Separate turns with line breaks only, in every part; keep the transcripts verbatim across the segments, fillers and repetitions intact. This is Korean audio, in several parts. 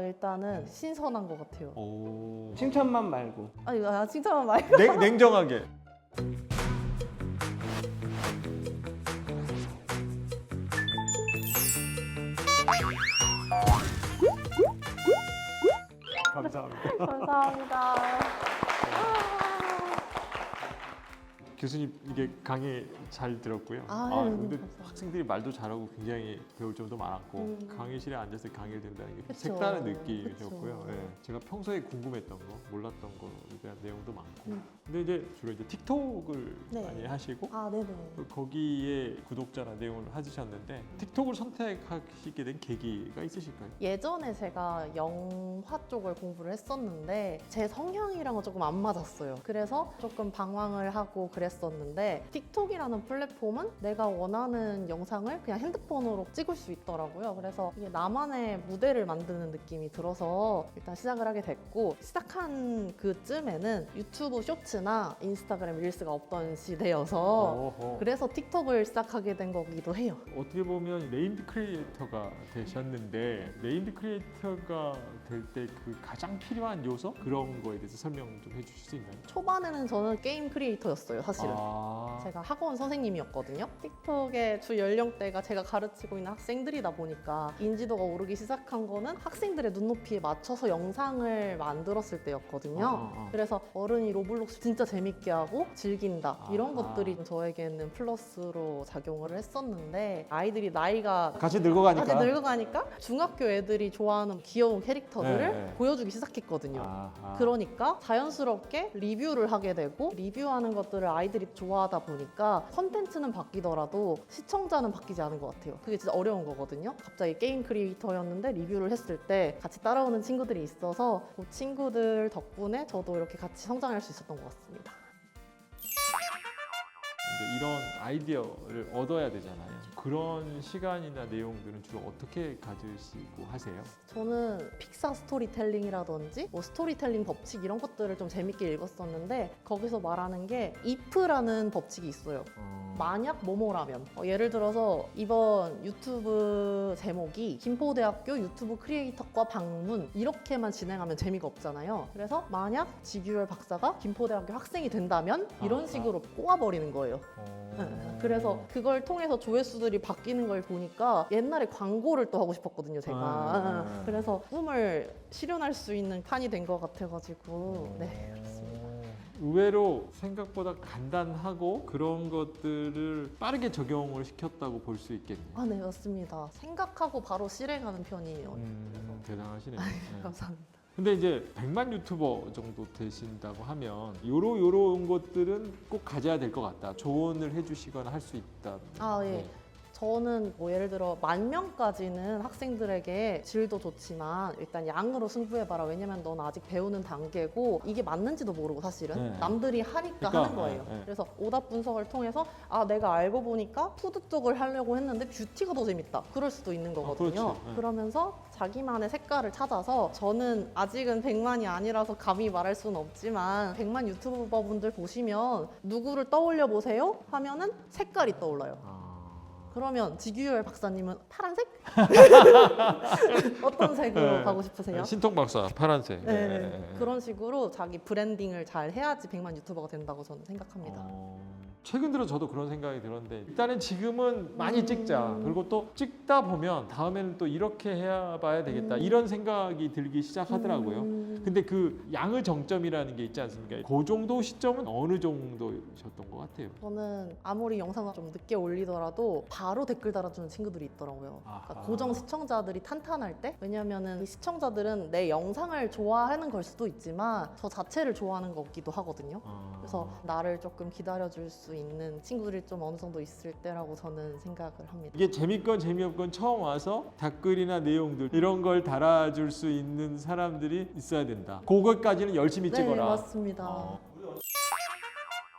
일단은 신선한 것 같아요.
오.
칭찬만 말고.
아니, 아, 칭찬만 말고.
냉, 냉정하게. 감사합니다.
감사합니다.
교수님 이게 강의 잘 들었고요.
아,
아,
네,
근데
감사합니다.
학생들이 말도 잘하고 굉장히 배울 점도 많았고
음.
강의실에 앉아서 강의를 듣는다는 게
그쵸.
색다른 느낌이셨고요.
그쵸.
예, 제가 평소에 궁금했던 거, 몰랐던 거에 대한 내용도 많고.
음.
근데 이제 주로 이제 틱톡을
네.
많이 하시고
아, 네네.
또 거기에 구독자나 내용을 하시셨는데 틱톡을 선택하시게 된 계기가 있으실까요?
예전에 제가 영화 쪽을 공부를 했었는데 제 성향이랑은 조금 안 맞았어요. 그래서 조금 방황을 하고 그랬었는데 틱톡이라는 플랫폼은 내가 원하는 영상을 그냥 핸드폰으로 찍을 수 있더라고요. 그래서 이게 나만의 무대를 만드는 느낌이 들어서 일단 시작을 하게 됐고, 시작한 그쯤에는 유튜브 쇼츠나 인스타그램 릴스가 없던 시대여서
어허.
그래서 틱톡을 시작하게 된 거기도 해요.
어떻게 보면 네임드 크리에이터가 되셨는데 네임드 크리에이터가 될 때 그 가장 필요한 요소 그런 거에 대해서 설명 좀 해주실 수 있나요?
초반에는 저는 게임 크리에이터였어요, 사실은.
아,
제가 학원 선생님이었거든요. 틱톡의 주 연령대가 제가 가르치고 있는 학생들이다 보니까 인지도가 오르기 시작한 거는 학생들의 눈높이에 맞춰서 영상을 만들었을 때였거든요.
아, 아, 아.
그래서 어른이 로블록스 진짜 재밌게 하고 즐긴다, 이런
아하.
것들이 저에게는 플러스로 작용을 했었는데, 아이들이 나이가
같이 늙어가니까.
아직 늙어가니까 중학교 애들이 좋아하는 귀여운 캐릭터들을
네, 네.
보여주기 시작했거든요.
아하.
그러니까 자연스럽게 리뷰를 하게 되고, 리뷰하는 것들을 아이들이 좋아하다 보니까 컨텐츠는 바뀌더라도 시청자는 바뀌지 않은 것 같아요. 그게 진짜 어려운 거거든요. 갑자기 게임 크리에이터였는데 리뷰를 했을 때 같이 따라오는 친구들이 있어서 그 친구들 덕분에 저도 이렇게 같이 성장할 수 있었던 것 같습니다.
이제 이런 아이디어를 얻어야 되잖아요. 그런 시간이나 내용들은 주로 어떻게 가지시고 하세요?
저는 픽사 스토리텔링이라든지 뭐 스토리텔링 법칙 이런 것들을 좀 재밌게 읽었었는데, 거기서 말하는 게 if라는 법칙이 있어요.
어...
만약 뭐뭐라면, 어, 예를 들어서 이번 유튜브 제목이 김포대학교 유튜브 크리에이터과 방문 이렇게만 진행하면 재미가 없잖아요. 그래서 만약 지규열 박사가 김포대학교 학생이 된다면 이런
아,
식으로 꼬아버리는 거예요.
어...
네. 그래서 그걸 통해서 조회수들이 바뀌는 걸 보니까 옛날에 광고를 또 하고 싶었거든요, 제가.
아.
그래서 꿈을 실현할 수 있는 판이 된 것 같아가지고 네, 그렇습니다.
의외로 생각보다 간단하고 그런 것들을 빠르게 적용을 시켰다고 볼 수 있겠네요.
아, 네, 맞습니다. 생각하고 바로 실행하는 편이에요.
음, 대단하시네요. 네.
감사합니다.
근데 이제 백만 유튜버 정도 되신다고 하면 요로 요런 것들은 꼭 가져야 될 것 같다. 조언을 해주시거나 할 수 있다.
아, 예.
네.
저는 뭐 예를 들어 만 명까지는 학생들에게 질도 좋지만 일단 양으로 승부해봐라. 왜냐면 넌 아직 배우는 단계고 이게 맞는지도 모르고 사실은
네.
남들이 하니까
그러니까,
하는 거예요.
네, 네.
그래서 오답 분석을 통해서 아, 내가 알고 보니까 푸드 쪽을 하려고 했는데 뷰티가 더 재밌다. 그럴 수도 있는 거거든요.
그렇지. 네.
그러면서 자기만의 색깔을 찾아서, 저는 아직은 백만이 아니라서 감히 말할 수는 없지만 백만 유튜버분들 보시면 누구를 떠올려 보세요? 하면은 색깔이 떠올라요.
아...
그러면 지규열 박사님은 파란색? 어떤 색으로
네.
가고 싶으세요?
신통 박사 파란색.
네,
네.
그런 식으로 자기 브랜딩을 잘 해야지 백만 유튜버가 된다고 저는 생각합니다.
어... 최근 들어 저도 그런 생각이 들었는데, 일단은 지금은 많이
음.
찍자. 그리고 또 찍다 보면 다음에는 또 이렇게 해봐야 되겠다.
음.
이런 생각이 들기 시작하더라고요.
음.
근데 그 양의 정점이라는 게 있지 않습니까? 그 정도 시점은 어느 정도셨던 것 같아요?
저는 아무리 영상을 좀 늦게 올리더라도 바로 댓글 달아주는 친구들이 있더라고요. 그러니까
아하.
고정 시청자들이 탄탄할 때, 왜냐면은 이 시청자들은 내 영상을 좋아하는 걸 수도 있지만 저 자체를 좋아하는 거기도 하거든요.
아...
그래서 나를 조금 기다려줄 수 있는 친구들이 좀 어느 정도 있을 때라고 저는 생각을 합니다.
이게 재밌건 재미없건 처음 와서 댓글이나 내용들 이런 걸 달아줄 수 있는 사람들이 있어야 된다. 그것까지는 열심히
네,
찍어라.
맞습니다.
어.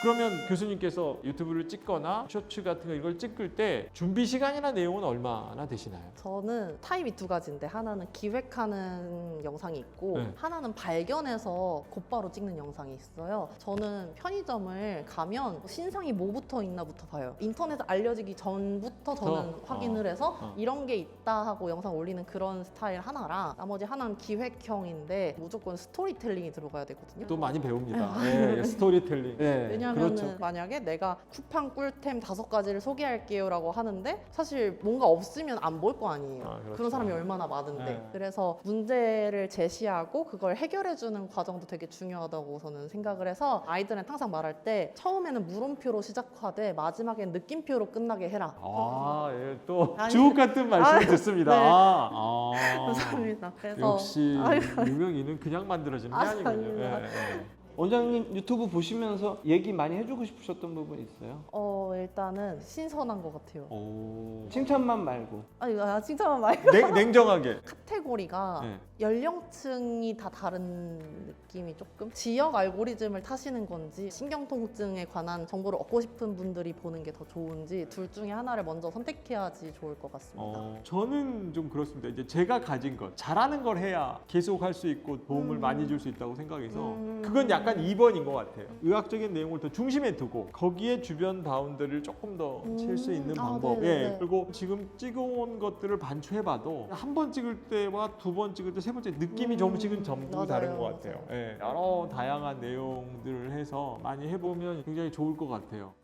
그러면 교수님께서 유튜브를 찍거나 쇼츠 같은 거 이걸 찍을 때 준비 시간이나 내용은 얼마나 되시나요?
저는 타입이 두 가지인데 하나는 기획하는 영상이 있고
네.
하나는 발견해서 곧바로 찍는 영상이 있어요. 저는 편의점을 가면 신상이 뭐부터 있나부터 봐요. 인터넷에 알려지기 전부터 저는
어,
확인을
어,
해서
어.
이런 게 있다 하고 영상 올리는 그런 스타일 하나랑 나머지 하나는 기획형인데 무조건 스토리텔링이 들어가야 되거든요.
또 많이 배웁니다. 예, 스토리텔링. 예,
왜냐하면
그렇죠.
만약에 내가 쿠팡 꿀템 다섯 가지를 소개할게요라고 하는데 사실 뭔가 없으면 안 볼 거 아니에요.
아, 그렇죠.
그런 사람이 얼마나 많은데.
네.
그래서 문제를 제시하고 그걸 해결해주는 과정도 되게 중요하다고 저는 생각을 해서 아이들은 항상 말할 때 처음에는 물음표로 시작하되 마지막엔 느낌표로 끝나게 해라.
아, 예, 또
아니,
주옥 같은 말씀을
아유,
듣습니다.
네.
아, 아.
감사합니다. 그래서
역시
아이고.
유명인은 그냥 만들어지는 게
아,
아니군요.
아닙니다.
예, 예.
원장님 유튜브 보시면서 얘기 많이 해주고 싶으셨던 부분 있어요?
어 일단은 신선한 것 같아요.
오.
칭찬만 말고.
아니 아, 칭찬만 말고
냉, 냉정하게.
카테고리가
네.
연령층이 다 다른 느낌이 조금 지역 알고리즘을 타시는 건지 신경통증에 관한 정보를 얻고 싶은 분들이 보는 게 더 좋은지 둘 중에 하나를 먼저 선택해야지 좋을 것 같습니다.
어, 저는 좀 그렇습니다. 이제 제가 가진 것, 잘하는 걸 해야 계속 할 수 있고 도움을
음.
많이 줄 수 있다고 생각해서
음.
그건 약간 이 번인 것 같아요. 의학적인 내용을 더 중심에 두고 거기에 주변 바운더를 조금 더 칠 수
음.
있는
아,
방법.
네네네.
예. 그리고 지금 찍어온 것들을 반추해봐도 한 번 찍을 때와 두 번 찍을 때 세 번째 느낌이
음.
조금씩은 전부
맞아요,
다른 것 같아요.
맞아요.
예. 여러 다양한 내용들을 해서 많이 해보면 굉장히 좋을 것 같아요.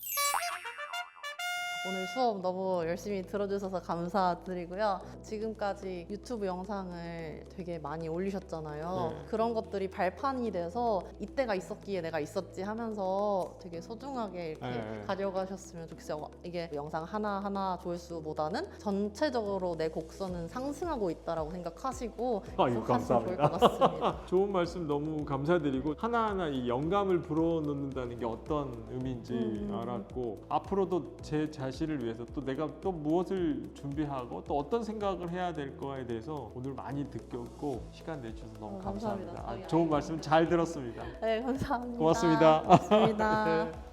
오늘 수업 너무 열심히 들어주셔서 감사드리고요. 지금까지 유튜브 영상을 되게 많이 올리셨잖아요.
네.
그런 것들이 발판이 돼서 이때가 있었기에 내가 있었지 하면서 되게 소중하게 이렇게
네.
가져가셨으면 좋겠어요. 이게 영상 하나하나 조회수보다는 전체적으로 내 곡선은 상승하고 있다라고 생각하시고
아유,
하시면 좋을
감사합니다.
것 같습니다.
좋은 말씀 너무 감사드리고 하나하나 이 영감을 불어넣는다는 게 어떤 의미인지
음.
알았고 앞으로도 제 자신을 위해서 또 내가 또 무엇을 준비하고 또 어떤 생각을 해야 될 거에 대해서 오늘 많이 느꼈고 시간 내주셔서 너무
어,
감사합니다.
감사합니다.
아, 좋은 말씀 잘 들었습니다.
네, 감사합니다.
고맙습니다.
고맙습니다.
네.